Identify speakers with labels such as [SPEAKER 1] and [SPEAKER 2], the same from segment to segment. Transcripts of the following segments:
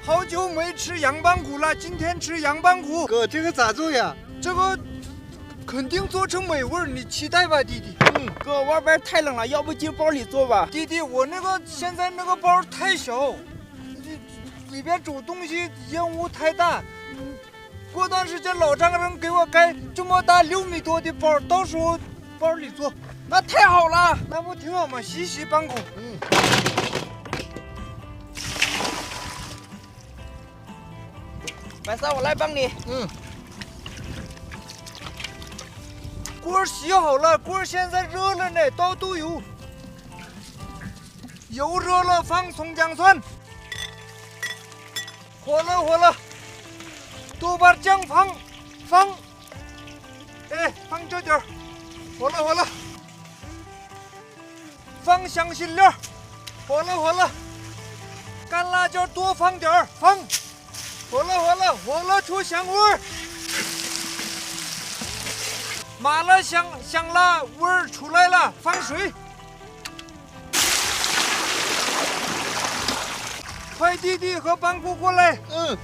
[SPEAKER 1] 好久没吃羊棒骨了，今天吃羊棒骨。
[SPEAKER 2] 哥，这个咋做呀？
[SPEAKER 1] 这个肯定做成美味，你期待吧，弟弟。
[SPEAKER 3] 哥，外边太冷了，要不进包里做吧？
[SPEAKER 1] 弟弟，我现在那个包太小，里边煮东西烟雾太大。过段时间老丈人给我盖这么大6米多的包，到时候包里做。
[SPEAKER 3] 那太好了，
[SPEAKER 1] 那不挺好吗？洗洗棒骨。
[SPEAKER 3] 白三，我来帮你。
[SPEAKER 1] 锅洗好了，锅现在热了呢，倒豆油，油热了放葱姜蒜，火了，豆瓣酱放，放这点儿，火了，放香辛料，火了，干辣椒多放点儿，放，火了出香味儿。麻辣香辣味儿出来了，放水。快弟弟和棒骨过来。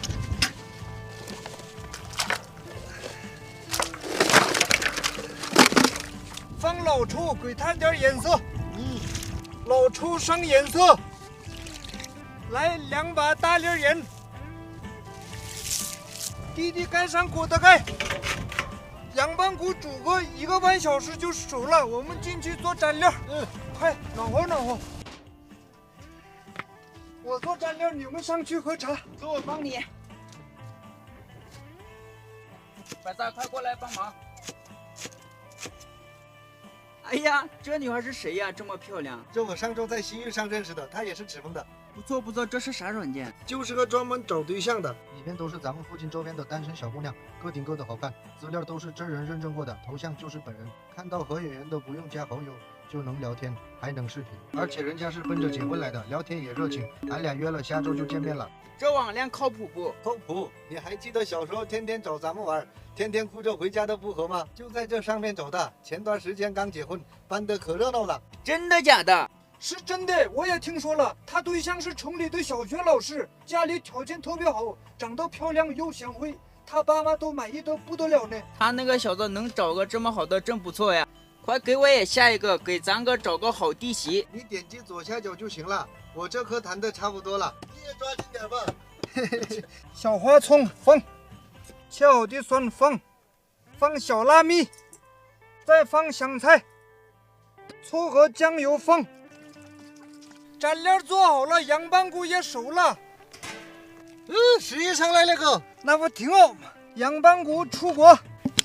[SPEAKER 1] 放老抽，给它点颜色。老抽上颜色。来2把大粒盐。弟弟盖上锅的盖。羊棒骨煮个1个半小时就熟了，我们进去做蘸料。快暖和。我做蘸料，你们上去喝茶。
[SPEAKER 3] 哥，我帮你。白三，快过来帮忙。哎呀，这女孩是谁呀？这么漂亮。
[SPEAKER 2] 这我上周在西域上认识的，她也是赤峰的。
[SPEAKER 3] 不错，这是啥软件？
[SPEAKER 2] 就是个专门找对象的，里面都是咱们附近周边的单身小姑娘，各顶各的好看，资料都是真人认证过的，头像就是本人，看到合眼缘的不用加好友就能聊天，还能视频，而且人家是奔着结婚来的，聊天也热情，俺俩约了下周就见面了。
[SPEAKER 3] 这网恋靠谱不？
[SPEAKER 2] 靠谱！你还记得小时候天天找咱们玩，天天哭着回家的不和吗？就在这上面找的，前段时间刚结婚，办得可热闹了。
[SPEAKER 3] 真的假的？
[SPEAKER 1] 是真的，我也听说了，他对象是城里的小学老师，家里条件特别好，长得漂亮又贤惠，他爸妈都满意得不得了呢。
[SPEAKER 3] 他那个小子能找个这么好的真不错呀，快给我也下一个，给咱哥找个好弟媳。
[SPEAKER 2] 你点击左下角就行了，我这颗谈的差不多了，你也抓紧点吧。
[SPEAKER 1] 小花葱放，切好的蒜放小辣蜜，再放香菜，醋和酱油放。蘸料做好了，羊棒骨也熟了。
[SPEAKER 2] 食欲上来了哥，
[SPEAKER 1] 那不挺好吗？羊棒骨出锅。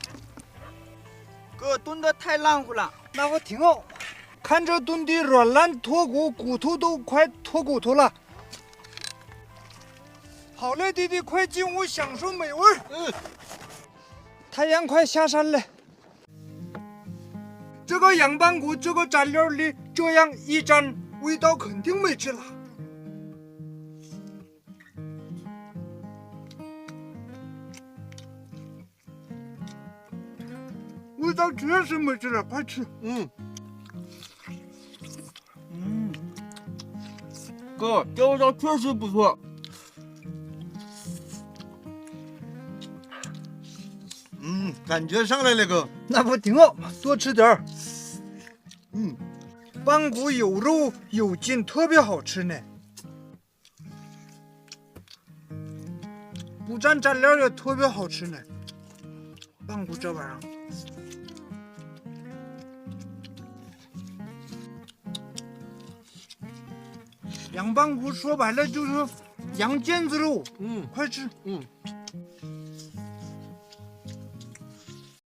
[SPEAKER 3] 哥炖的太烂乎了。
[SPEAKER 1] 那不挺好吗？看这炖的软烂脱骨，骨头都快脱骨头了。好嘞，弟弟，快进屋享受美味。太阳快下山了。这个羊棒骨这个蘸料里这样一蘸，味道肯定没治了。味道确实没治了，快吃。
[SPEAKER 3] 哥，这味道确实不错。
[SPEAKER 2] 感觉上来了哥，
[SPEAKER 1] 那不挺好吗？多吃点儿。棒骨有肉有筋，特别好吃呢。不蘸蘸料也特别好吃呢。棒骨这玩意儿，羊棒骨说白了就是羊腱子肉。快吃。